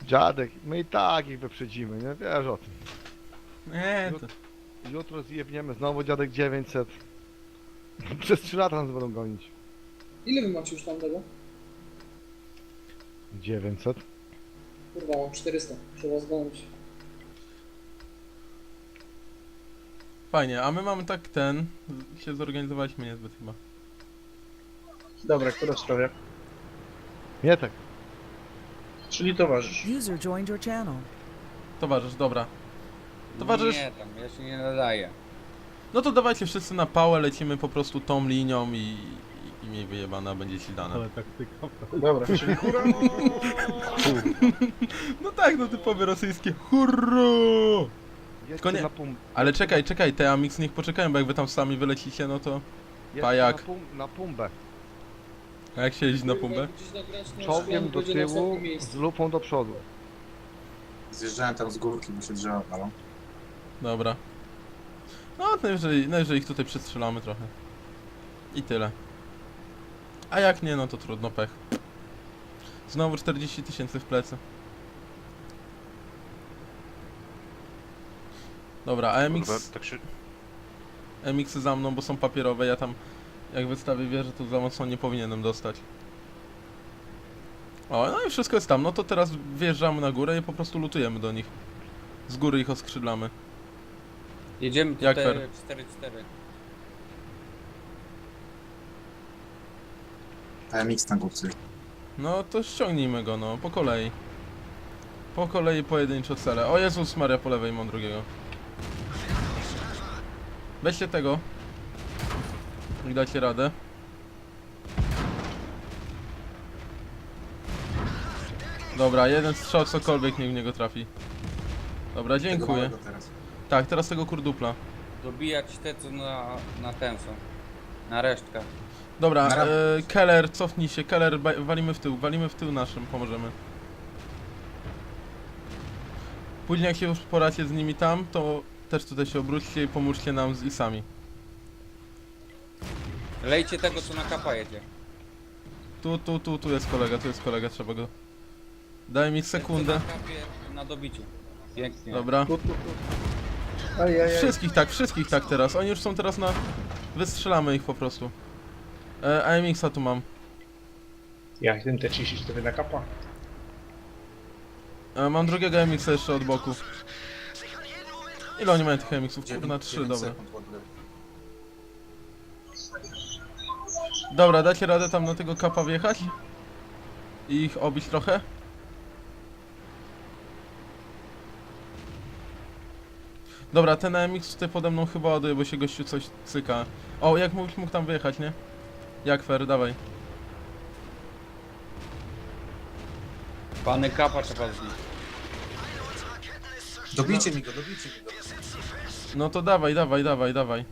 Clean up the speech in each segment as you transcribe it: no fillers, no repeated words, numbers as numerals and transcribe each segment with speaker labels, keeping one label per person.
Speaker 1: Dziadek, my i tak ich wyprzedzimy, nie? Wiesz o tym.
Speaker 2: Nie, to...
Speaker 1: Jutro zjebniemy znowu dziadek 900. Przez 3 lata nas będą gonić.
Speaker 3: Ile wy macie już tam tego?
Speaker 1: 900?
Speaker 3: Kurwa, mam 400. Trzeba zgonić.
Speaker 2: Fajnie, a my mamy tak się zorganizowaliśmy niezbyt chyba.
Speaker 4: Dobra, która sprawia?
Speaker 1: Nie tak.
Speaker 4: Czyli towarzysz.
Speaker 5: User joined your channel.
Speaker 2: Towarzysz, dobra. Towarzysz,
Speaker 6: Nie, tam ja się nie nadaję.
Speaker 2: no to dawajcie wszyscy na pałę, lecimy po prostu tą linią i miej wyjebana, będzie ci dane.
Speaker 4: Dobra, czyli hura.
Speaker 2: No tak, no typowe rosyjskie hurra!
Speaker 1: Jedźcie
Speaker 2: nie-
Speaker 1: na pum...
Speaker 2: Ale czekaj, te Amix niech poczekają, bo jak wy tam sami wylecicie, no to...
Speaker 1: jedźcie
Speaker 2: pajak.
Speaker 1: Na pumbę.
Speaker 2: A jak się jeździ na pumpę?
Speaker 3: Jak gdzieś nagrać, to
Speaker 1: Czołgiem do
Speaker 3: będzie na
Speaker 1: tyłu,
Speaker 3: ostatnim miejscu.
Speaker 1: z lupą do przodu.
Speaker 7: Zjeżdżałem tam z górki, bo się drzewa palą.
Speaker 2: Dobra. No, najwyżej ich tutaj przestrzelamy trochę. I tyle. A jak nie, no to trudno, pech. Znowu 40 000 w plecy. Dobra, a MX...
Speaker 7: tak się...
Speaker 2: MX za mną, bo są papierowe, ja tam... Jak wystawię wieżę, to za mocno nie powinienem dostać. O, no i wszystko jest tam. No to teraz wjeżdżamy na górę i po prostu lutujemy do nich. Z góry ich oskrzydlamy.
Speaker 6: Jedziemy
Speaker 2: Jak
Speaker 6: tutaj
Speaker 2: fair?
Speaker 6: 4-4.
Speaker 7: AMX na górce.
Speaker 2: No to ściągnijmy go, no, po kolei. Po kolei pojedynczo cele. O Jezus Maria, po lewej mam drugiego. Weźcie tego. I dacie radę. Dobra, jeden strzał, cokolwiek niech w niego trafi. Dobra,
Speaker 7: Tego
Speaker 2: dziękuję.
Speaker 7: małego teraz.
Speaker 2: Tak, teraz tego kurdupla.
Speaker 6: Dobijać te co na ten są. Na resztkę.
Speaker 2: Dobra,
Speaker 7: Na rampę.
Speaker 2: Keller, cofnij się, Keller, walimy w tył naszym, pomożemy. Później jak się już poracie z nimi tam, to też tutaj się obróćcie i pomóżcie nam z isami.
Speaker 6: Lejcie tego co na kapa jedzie.
Speaker 2: Tu jest kolega, trzeba go... Daj mi
Speaker 6: Ten,
Speaker 2: sekundę.
Speaker 6: co na kapie na dobiciu. Pięknie.
Speaker 2: Dobra.
Speaker 4: Tu. Ajajaj.
Speaker 2: Wszystkich tak teraz, oni już są teraz na... Wystrzelamy ich po prostu. AMX-a tu mam.
Speaker 4: Ja jestem T34 na kapa.
Speaker 2: Mam drugiego AMX-a jeszcze od boku. Ile oni mają tych AMX-ów? Kurna, 3,
Speaker 7: 9
Speaker 2: dobra.
Speaker 7: sekund w ogóle.
Speaker 2: Dobra, dacie radę tam na tego kapa wjechać? I ich obić trochę? Dobra, ten AMX tutaj pode mną chyba ładuje, bo się gościu coś cyka. O, jak mógł tam wyjechać, nie? Jak fair, dawaj.
Speaker 6: Pany kapa trzeba zbić.
Speaker 7: Dobijcie mi go.
Speaker 2: No to dawaj.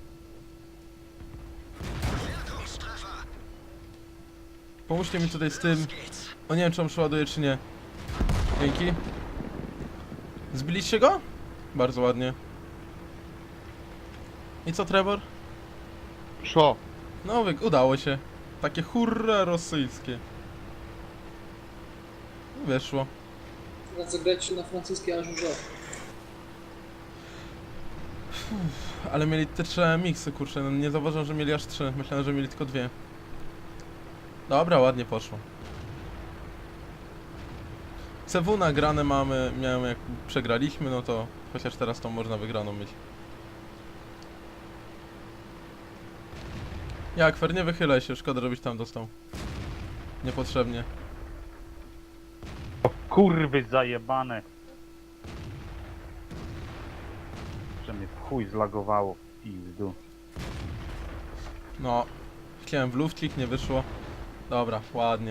Speaker 2: Pomóżcie mi tutaj z tym. O, nie wiem, czy on przeładuje, czy nie. Dzięki. Zbiliście go? Bardzo ładnie. I co, Trevor?
Speaker 1: Co?
Speaker 2: No, udało się. Takie hurra rosyjskie. Wyszło.
Speaker 3: Teraz zagrać na francuskiej ażurze.
Speaker 2: Ale mieli te 3 miksy, kurczę. No, nie zauważyłem, że mieli aż 3. Myślałem, że mieli tylko 2. Dobra, ładnie poszło. CW nagrane mamy, miałem jak przegraliśmy, no to chociaż teraz to można wygraną mieć. Jak fair, nie wychylaj się, szkoda żebyś tam dostał. Niepotrzebnie.
Speaker 8: O kurwy zajebane. Że mnie w chuj zlagowało. Pizdu.
Speaker 2: No, chciałem w lufcik, nie wyszło. Dobra, ładnie.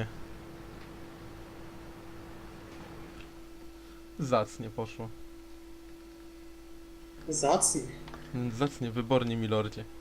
Speaker 2: Zacnie poszło.
Speaker 3: Zacnie.
Speaker 2: Zacnie, wybornie, milordzie.